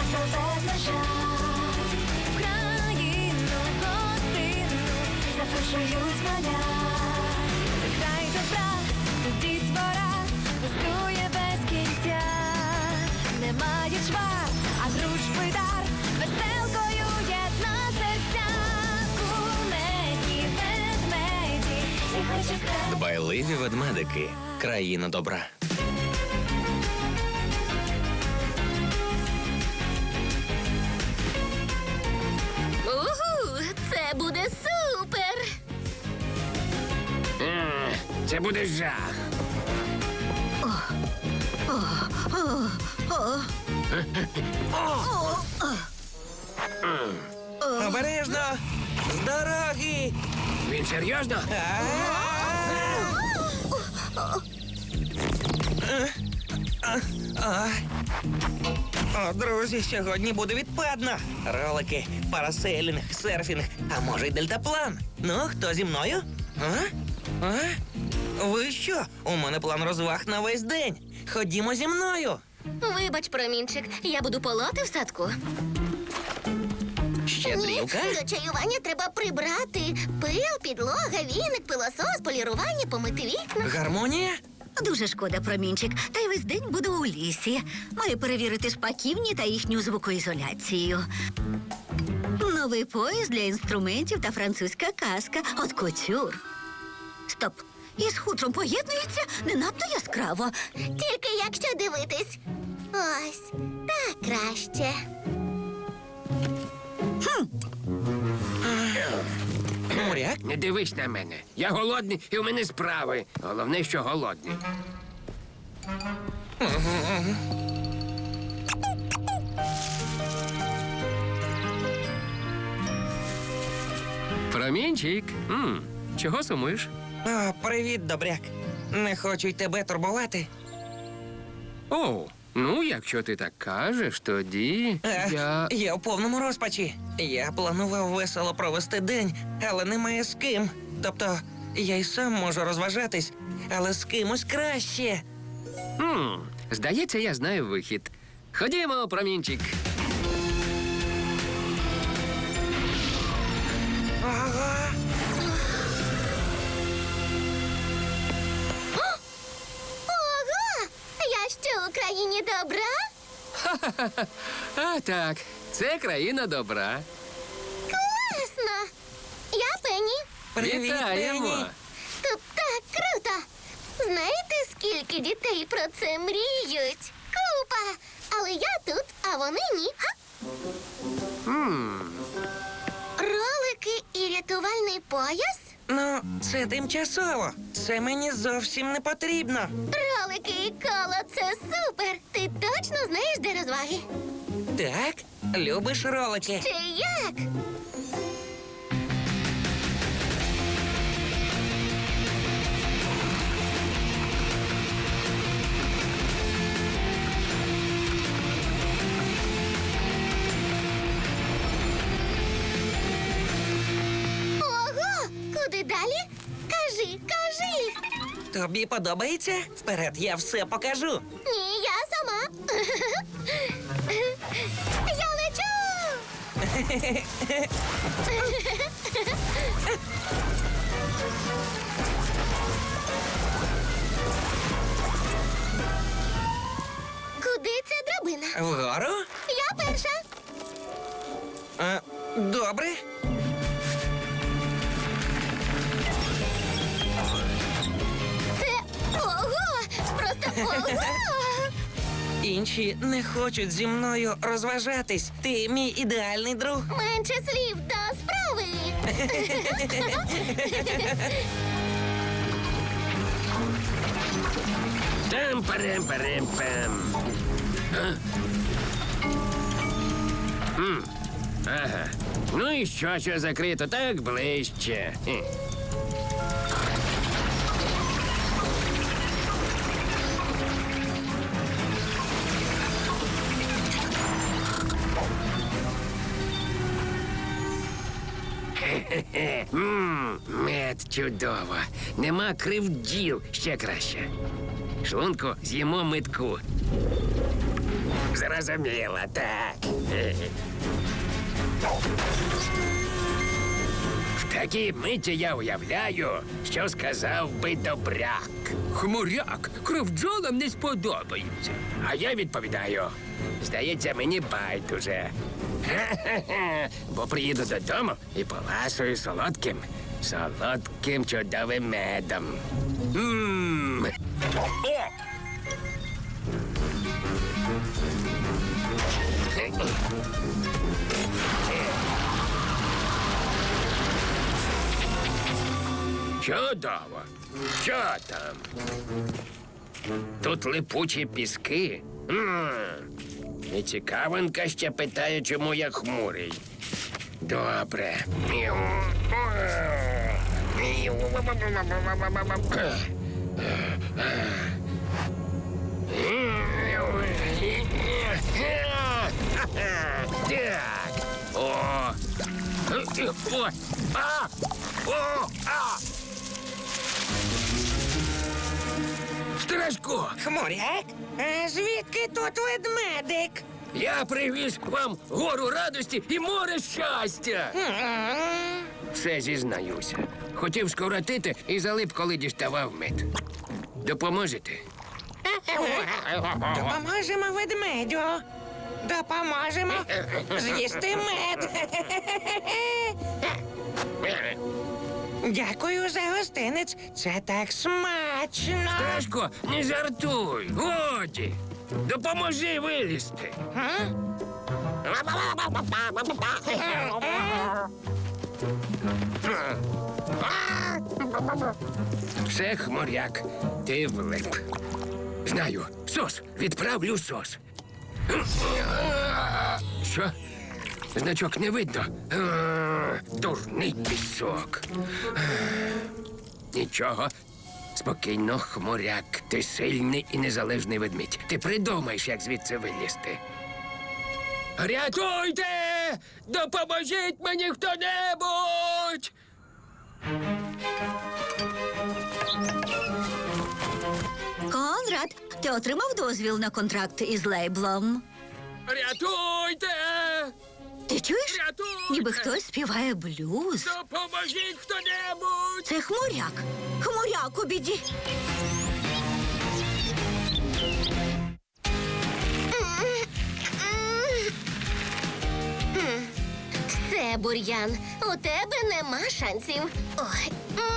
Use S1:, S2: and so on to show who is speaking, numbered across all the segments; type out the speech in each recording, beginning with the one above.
S1: наближать. В країну гостинну запрошують мене. Це край добра, тут дітвора пустує без кінця. Немає чвар, а дружби дар веселкою єдна серця. Кумедні ведмеді, всі хочуть край.
S2: Дбайливі ведмедики. Країна добра.
S3: Угу, це буде супер!
S4: Це буде жах.
S2: Обережно! З дороги!
S4: Він серйозно?
S2: О, друзі, сьогодні буде відпадно. Ролики, парасейлінг, серфінг, а може й дельтаплан. Ну, хто зі мною? Ви що? У мене план розваг на весь день. Ходімо зі мною.
S3: Вибач, промінчик, я буду полоти в садку.
S2: Щедрівка?
S3: До чаювання треба прибрати. Пил, підлога, віник, пилосос, полірування, помити вікна.
S2: Гармонія?
S5: Дуже шкода, промінчик. Та й весь день буду у лісі. Маю перевірити шпаківні та їхню звукоізоляцію. Новий пояс для інструментів та французька казка. От кутюр. Стоп. Із хутром поєднується не надто яскраво.
S3: Тільки якщо дивитись. Ось, так краще.
S2: Моряк?
S4: Не дивись на мене. Я голодний і у мене справи. Головне, що голодний.
S6: Промінчик, чого сумуєш?
S2: О, привіт, добряк. Не хочу й тебе турбувати.
S6: О, ну, якщо ти так кажеш, тоді
S2: Я в повному розпачі. Я планував весело провести день, але немає з ким. Тобто, я й сам можу розважатись, але з кимось краще.
S6: Здається, я знаю вихід. Ходімо, промінчик.
S2: Ага.
S3: Ого! Я що, у країні добра?
S6: А так, це країна добра.
S3: Класно! Я Пенні.
S2: Привіт,
S6: Вітаємо!
S2: Пенні.
S3: Тут так круто! Знаєте, скільки дітей про це мріють? Купа! Але я тут, а вони ні. Га? Ролики і рятувальний пояс?
S2: Ну, це тимчасово. Це мені зовсім не потрібно.
S3: Ролики і коло – це супер! Ти точно знаєш, де розваги?
S2: Так, любиш ролики?
S3: Чи як? Ого! Куди далі? Кажи, кажи!
S2: Тобі подобається? Вперед, я все покажу.
S3: Ні, я сама. Я лечу! Куди ця драбина?
S2: Вгору?
S3: Я перша.
S2: Добре.
S3: Це ого! Просто ого!
S2: Інші не хочуть зі мною розважатись. Ти мій ідеальний друг.
S3: Менше слів до справи.
S4: Там-парем-парем-пам. Ага. Ну і що закрито так ближче. Мед чудово. Нема кривділ, ще краще. Шлунку з'їмо митку. Зрозуміло, так. В такій миті я уявляю, що сказав би добряк. Хмуряк, кров бджолам не сподобається. А я відповідаю, здається, мені байдуже. Бо приїду додому і поласую солодким чудовим медом. О! Чудово. Що там? Тут липучі піски. І цікавинка ще питає, чому я хмурий. Добре. Так. О. О. А. О. А. Страшко,
S2: Хмуряк? А звідки тут ведмедик?
S4: я привіз вам гору радості і море щастя. Все зізнаюся. Хотів скоротити і залип, коли діставав мед. Допоможете?
S2: Допоможемо ведмедю. Допоможемо з'їсти мед. Дякую за гостинець. Це так смачно.
S4: Страшко, не жартуй. Годі. Допоможи вилізти. Все, хмуряк, ти влип. Знаю, сос, відправлю сос. Що? Значок не видно. Дурний пісок. Нічого. Спокійно, хмуряк. Ти сильний і незалежний ведмідь. Ти придумаєш, як звідси вилізти. Рятуйте! Допоможіть мені хто-небудь!
S5: Конрад, ти отримав дозвіл на контракт із лейблом?
S4: Рятуйте!
S5: Ти чуєш?
S4: Рятуйте!
S5: Ніби хтось співає блюз.
S4: Допоможіть хто-небудь!
S5: Це хмуряк. Хмуряк у біді.
S3: Все, бур'ян, у тебе нема шансів. Ой.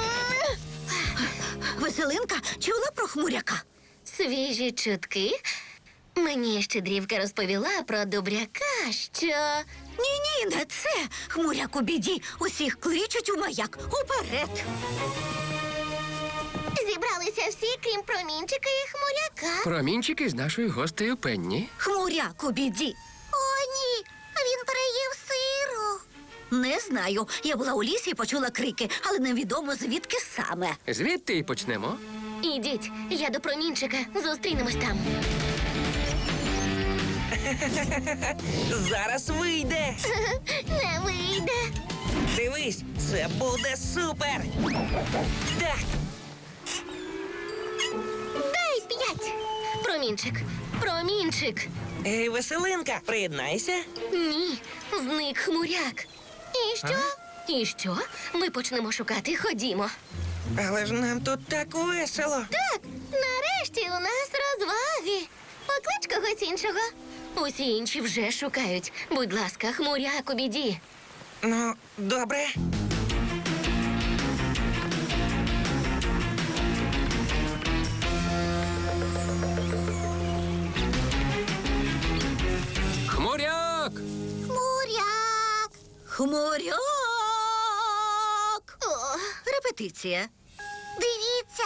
S5: Веселинка чула про хмуряка?
S3: Свіжі чутки. Мені щедрівка розповіла про добряка, що...
S5: Ні, не це. Хмуряк у біді. Усіх кличуть у маяк. Уперед.
S3: Зібралися всі, крім промінчика і хмуряка.
S4: Промінчики з нашою гостею Пенні.
S5: Хмуряк у біді.
S3: О, ні, він переїв сиру.
S5: Не знаю. Я була у лісі і почула крики, але невідомо звідки саме.
S4: Звідти і почнемо.
S3: Ідіть, я до промінчика. Зустрінемось там.
S2: Зараз вийде.
S3: Не вийде.
S2: Дивись, це буде супер. Так,
S3: Дай 5. Промінчик, промінчик.
S2: ей, веселинка, приєднайся.
S3: Ні, зник хмуряк. І що? І що? Ми почнемо шукати, ходімо.
S2: Але ж нам тут так весело.
S3: Так, нарешті у нас розваги. Поклич когось іншого. Усі інші вже шукають. Будь ласка, хмуряк у біді.
S2: Ну, добре.
S4: Хмуряк!
S3: Хмуряк.
S5: Хмуряк!
S3: О,
S5: Репетиція.
S3: дивіться.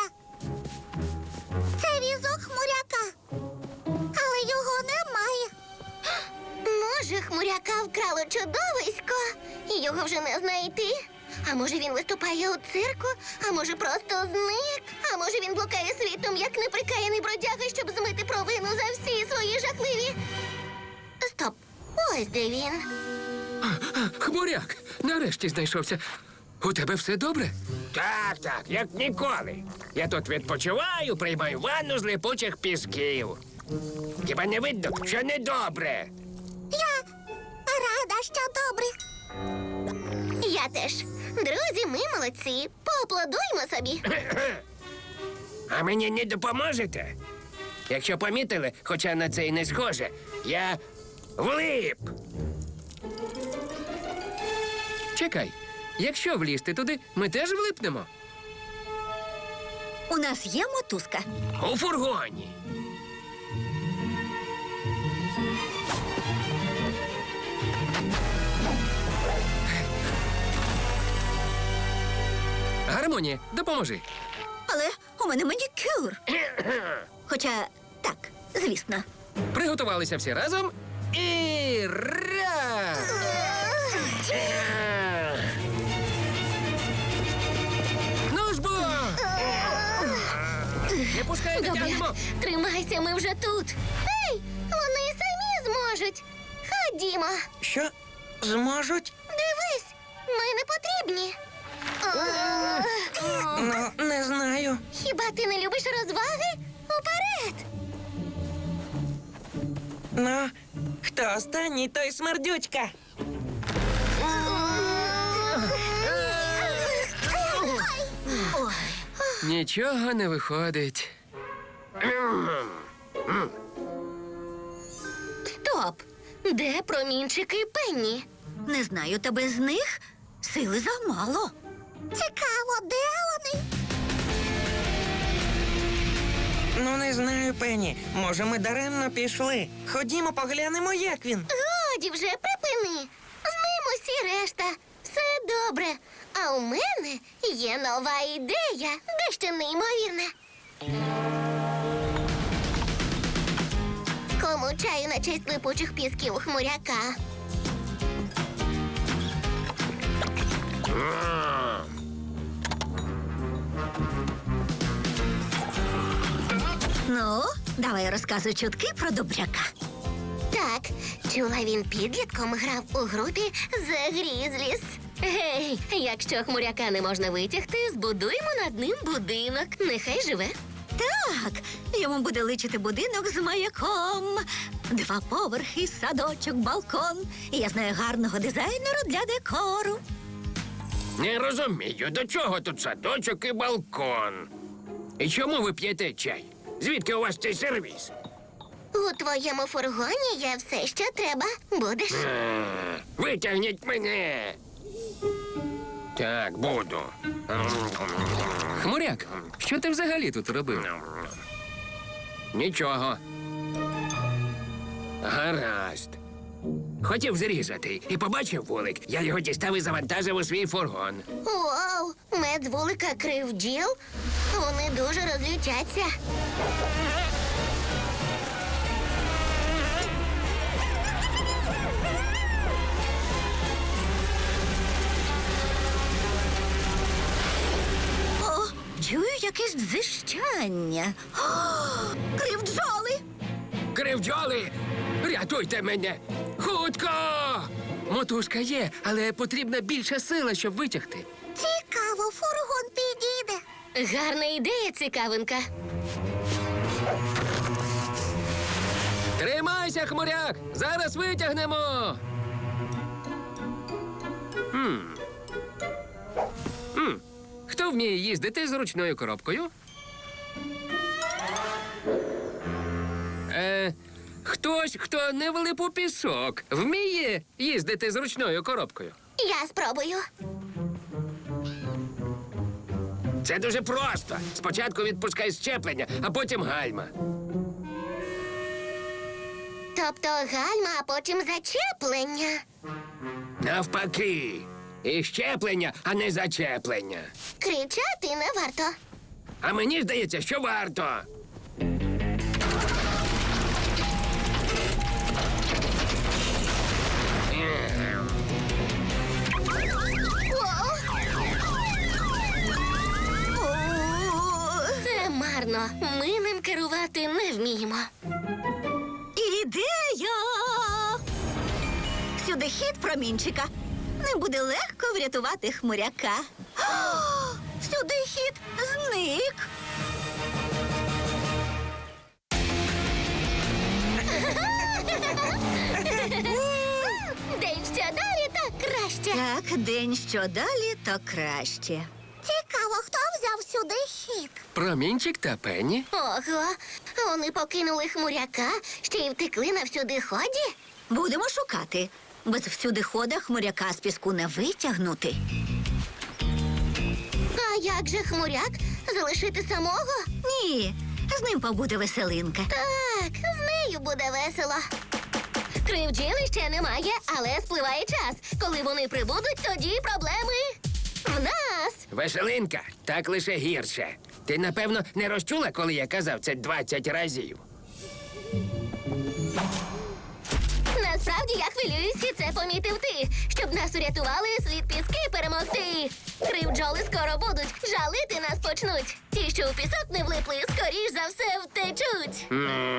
S3: Це візок хмуряка. Але його немає. Може, хмуряка вкрало чудовисько, і його вже не знайти. А може він виступає у цирку, а може просто зник, а може він блукає світом, як неприкаяний бродяга, щоб змити провину за всі свої жахливі. Стоп, ось де він.
S4: Хмуряк! Нарешті знайшовся. У тебе все добре? Так, як ніколи. Я тут відпочиваю, приймаю ванну з липучих пісків. Хіба не видно, що недобре?
S3: Я рада, що добре. Я теж. Друзі, ми молодці. Поаплодуймо собі.
S4: А мені не допоможете? Якщо помітили, хоча на це й не схоже, я влип.
S6: Чекай, якщо влізти туди, ми теж влипнемо.
S5: У нас є мотузка.
S4: У фургоні.
S6: Гармонія, допоможи.
S5: Але у мене манікюр. Хоча так, звісно.
S6: Приготувалися всі разом і раз! Ну ж бо! Не пускайте,
S3: Добре,
S6: тягнемо!
S3: тримайся, ми вже тут. Ей, вони самі зможуть. Ходімо.
S2: Що? Зможуть?
S3: Дивись, ми не потрібні.
S2: Ну, не знаю.
S3: Хіба ти не любиш розваги? Уперед!
S2: Ну, хто останній, той смердючка.
S6: Нічого не виходить.
S3: Стоп! Де промінчики і Пенні?
S5: Не знаю, та без них сили замало.
S3: Цікаво, де вони?
S2: Ну, не знаю, Пенні. Може, ми даремно пішли. Ходімо, поглянемо, як він.
S3: Годі вже припини. З ним усі решта. Все добре. А у мене є нова ідея, дещо неймовірне. Кому чаю на честь липучих пісків хмуряка?
S5: Ну, давай розказуй чутки про добряка.
S3: Так, чула, він підлітком грав у групі The Grizzlies. Гей, якщо хмуряка не можна витягти, збудуємо над ним будинок. Нехай живе.
S5: Так, йому буде личити будинок з маяком. 2 поверхи, садочок, балкон. І я знаю гарного дизайнера для декору.
S4: Не розумію, до чого тут садочок і балкон? І чому ви п'єте чай? Звідки у вас цей сервіс?
S3: У твоєму фургоні є все, що треба. Будеш?
S4: Витягніть мене. Так, буду.
S6: Хмуряк, що ти взагалі тут робив?
S4: Нічого. Гаразд. Хотів зрізати і побачив вулик. Я його дістав і завантажив у свій фургон.
S3: Вау! Мед з вулика крив бджіл. Вони дуже розлютяться.
S5: О, чую якесь дзищання. О, кривджоли!
S4: Кривджоли! Рятуйте мене! Хутко!
S6: Мотузка є, але потрібна більша сила, щоб витягти.
S3: Цікаво, фургон підійде. Гарна ідея, цікавинка.
S6: Тримайся, хмуряк! Зараз витягнемо. Хто вміє їздити з ручною коробкою? Хтось, хто не влип у пісок, вміє їздити з ручною коробкою.
S3: Я спробую.
S4: Це дуже просто. Спочатку відпускай щеплення, а потім гальма.
S3: Тобто гальма, а потім зачеплення.
S4: Навпаки. І щеплення, а не зачеплення.
S3: Кричати не варто.
S4: А мені здається, що варто.
S3: Це марно. Ми ним керувати не вміємо.
S5: Ідея! Сюди хід промінчика. Не буде легко врятувати хмуряка. О, сюди хід зник. так, день що далі, то краще.
S3: Цікаво, хто взяв сюди хід?
S6: Промінчик та Пенні.
S3: Ого, вони покинули хмуряка, ще й втекли на всюдиході?
S5: Будемо шукати. Без всюдихода хмуряка з піску не витягнути.
S3: А як же хмуряк? Залишити самого?
S5: Ні, з ним побуде веселинка.
S3: Так, з нею буде весело. Кривділи ще немає, але спливає час. Коли вони прибудуть, тоді проблеми в нас.
S4: Веселинка, так лише гірше. Ти, напевно, не розчула, коли я казав це 20 разів.
S3: Насправді я хвилююсь, і це помітив ти. Щоб нас урятували, слід піски перемогти. Кривджоли скоро будуть, жалити нас почнуть. Ті, що у пісок не влипли, скоріш за все втечуть.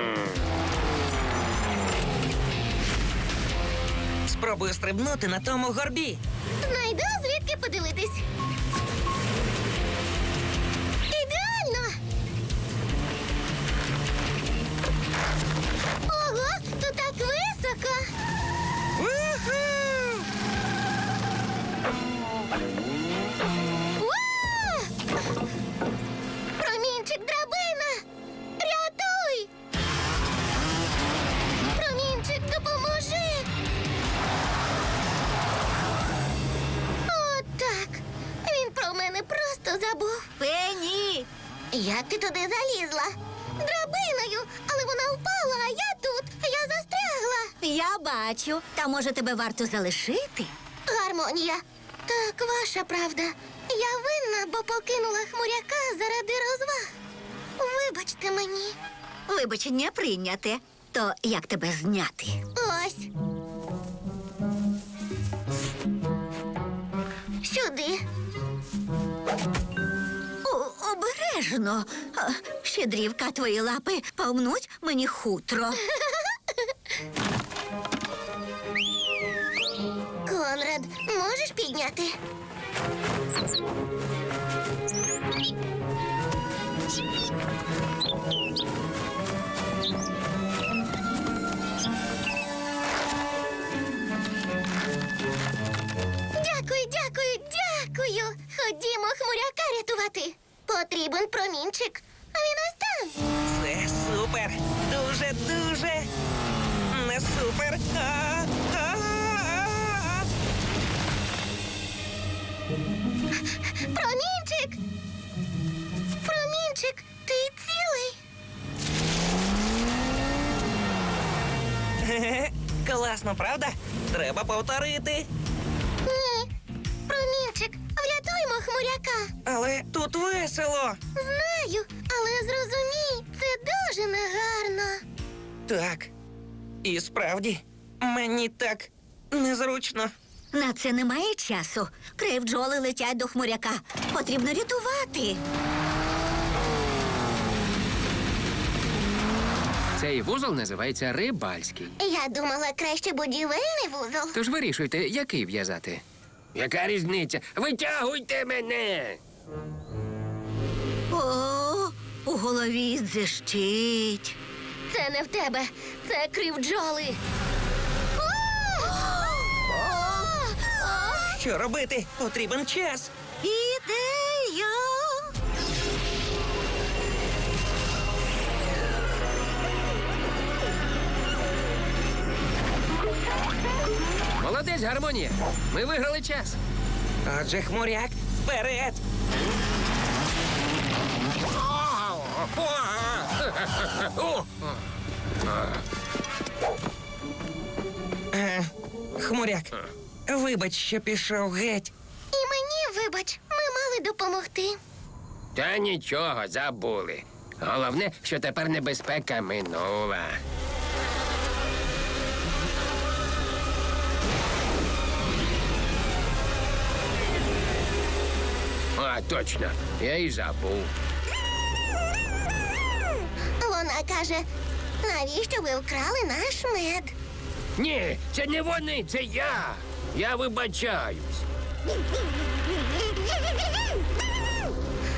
S2: Спробую стрибнути на тому горбі.
S3: Знайду, звідки подивитись. Ідеально! Ого, тут так високо!
S2: Уху!
S3: Уа! Промінчик, драбина! Рятуй! Промінчик, допоможи! Отак. Він про мене просто забув.
S5: Пенні!
S3: Як ти туди залізла? Драбиною, але вона впала, а я тут. Я застрягла.
S5: Я бачу. Та може тебе варто залишити?
S3: Гармонія. Так, ваша правда. Я винна, бо покинула хмуряка заради розваг. Вибачте мені.
S5: Вибачення прийняте. То як тебе зняти?
S3: Ось. Сюди.
S5: Обережно. Щедрівка, твої лапи помнуть мені хутро.
S3: Конрад, можеш підняти? Дякую, дякую, дякую. Ходімо хмуряка рятувати. Потрібен промінчик. А він ось там.
S2: Це супер! Дуже не супер!
S3: Промінчик! Промінчик, ти цілий?
S2: Хе-хе. Класно, правда? Треба повторити.
S3: Ні. Промінчик, врятуймо хмуряка.
S2: Але тут весело.
S3: Знаю, але зрозумій, це дуже негарно.
S2: Так. І справді, мені так незручно.
S5: На це немає часу. Кривджоли летять до хмуряка. Потрібно рятувати.
S6: Цей вузол називається рибальський.
S3: Я думала, краще будівельний вузол.
S6: Тож вирішуйте, який в'язати.
S4: Яка різниця? Витягуйте мене!
S5: О, у голові дзищить.
S3: Це не в тебе, це кривджоли.
S2: Що робити? Потрібен час.
S5: Ідея!
S6: Молодець, гармонія. Ми виграли час.
S2: Отже, хмуряк, вперед! Хмуряк, вибач, що пішов геть.
S3: І мені, вибач, ми мали допомогти.
S4: Та нічого, забули. Головне, що тепер небезпека минула. А, точно, я і забув.
S3: Вона каже, навіщо ви вкрали наш мед?
S4: Ні, це не вони, це я. Я вибачаюсь.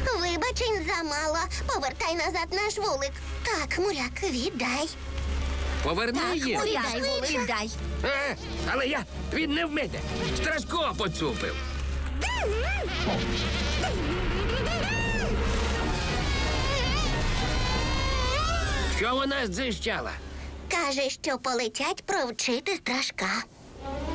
S3: Вибачень замало. Повертай назад наш вулик. Так, хмуряк, віддай.
S6: Поверни їм.
S3: Віддай, віддай.
S4: Але він не в мене. Страшко поцупив. Що вона здзищала?
S3: Каже, що полетять провчити страшка.